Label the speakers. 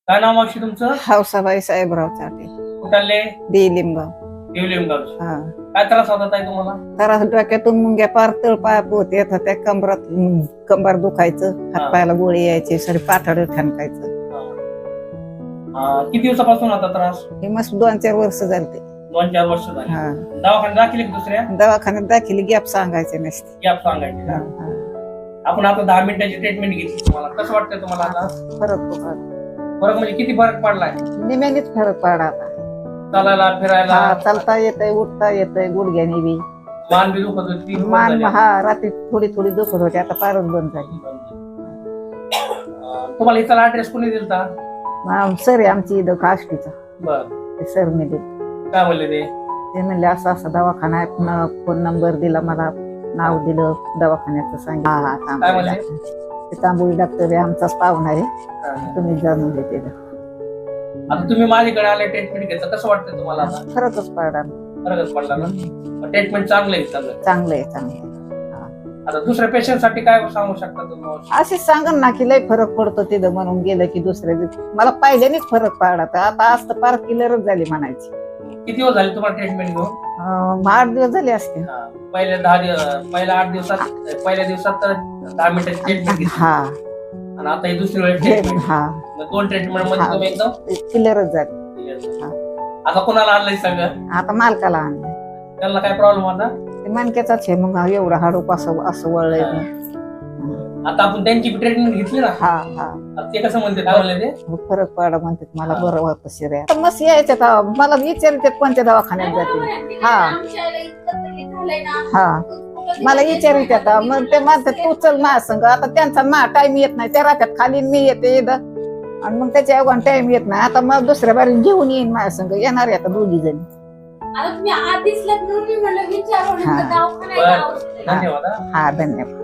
Speaker 1: काय नाव मावशी तुमचं?
Speaker 2: हौसाबाई साहेबराव चाटे,
Speaker 1: कुठाले?
Speaker 2: लिंबगाव.
Speaker 1: देवलिंगाव.
Speaker 2: हा.
Speaker 1: काय त्रास होता ताई तुम्हाला?
Speaker 2: तर डोक्यातून मुंग्या पार तळपाया पोत येत होत्या, कंबर दुखायचं, हातपायाला गोळी यायची, सरी पाठड ठणकायचं.
Speaker 1: किती दिवसापासून होता त्रास?
Speaker 2: हे मस्त 2-4 वर्ष झाले.
Speaker 1: 2-4 वर्ष झाली.
Speaker 2: हा.
Speaker 1: दवाखान्यात दाखल की दुसऱ्या?
Speaker 2: दवाखान्यात दाखिली, गॅप सांगायचे नसते.
Speaker 1: गॅप सांगायची का? आपण आता 10 मिनिटाची ट्रीटमेंट घेतली. तुम्हाला कसं वाटतंय तुम्हाला आता? फरक म्हणजे किती फरक पडलाय?
Speaker 2: निम्यानेच फरक पडला आता.
Speaker 1: चालायला फिरायला?
Speaker 2: चालता येतंय, उठता येतंय, गुडघ्याने बी.
Speaker 1: मान बी दुखत होती?
Speaker 2: मान रात्री थोडी थोडी दुखत होती, आता फारच बंद झाली.
Speaker 1: तुम्हाला इथला ऍड्रेस कोणी दिलता?
Speaker 2: सर आहे आमची इथं काष्टीचा.
Speaker 1: बर.
Speaker 2: सर मी दिलं.
Speaker 1: काय म्हणले ते?
Speaker 2: ते म्हणले असं असं दवाखाना आहे, फोन नंबर दिला, मला नाव दिलं दवाखान्याचं, सांगितलं. ते तांबोळी डॉक्टर आहे, आमचाच पाहुणा आहे, तुम्ही जाणून देते.
Speaker 1: आता तुम्ही माझ्याकडे आले, ट्रीटमेंट घेतलं, कसं वाटतंय तुम्हाला आता?
Speaker 2: फरकच पडला.
Speaker 1: फरकच पडला ना? ट्रीटमेंट चांगलं आहे सगळं?
Speaker 2: चांगलं आहे.
Speaker 1: आता दुसऱ्या पेशंट साठी काय सांगू शकता तुम्ही?
Speaker 2: अशीच सांगन ना की लय फरक पडतो तिथं, म्हणून गेलं की दुसऱ्या दिवशी मला पहिल्यानेच फरक पडला. तर आता आज तर पार किलरच झाली म्हणायची.
Speaker 1: किती दिवस झाले तुम्हाला ट्रीटमेंट घेऊन?
Speaker 2: 8 दिवस झाले असते.
Speaker 1: पहिल्या 10 दिवस, पहिल्या 8 दिवसात, पहिल्या दिवसात तर 10 मिनिटाची ट्रीटमेंट घेतली.
Speaker 2: हा.
Speaker 1: आणि आता ही दुसरी वेळ ट्रीटमेंट.
Speaker 2: हा.
Speaker 1: 2 ट्रीटमेंट मध्ये तुम्ही एकदम
Speaker 2: किलरच झाली.
Speaker 1: आता कोणाला आणलंय सगळं?
Speaker 2: आता मालकाला आणलं.
Speaker 1: त्यांना काय प्रॉब्लेम होता?
Speaker 2: ते मणक्याचाच आहे, मग एवढा हाडूक असं वळलंय.
Speaker 1: आता आपण त्यांची ट्रीटमेंट घेतली ना?
Speaker 2: हा.
Speaker 1: ते कसं म्हणते, काय म्हणले ते?
Speaker 2: फरक पडा म्हणतात, मला बरं होतं शिर्या. मस्त यायच्यात, मला विचारतात कोणत्या दवाखान्यात जाते. हा. मला विचारित मग ते म्हणतात तू चल माझ्या संग. आता त्यांचा टाइम येत नाही, त्या राहतात खाली, मी येते इथं, आणि मग त्याच्या अगोदर टाइम येत नाही. आता मग दुसऱ्या बारी घेऊन येईन माझ्या संग, येणार आहे आता 2 जणी.
Speaker 1: धन्यवाद.
Speaker 2: हा, धन्यवाद.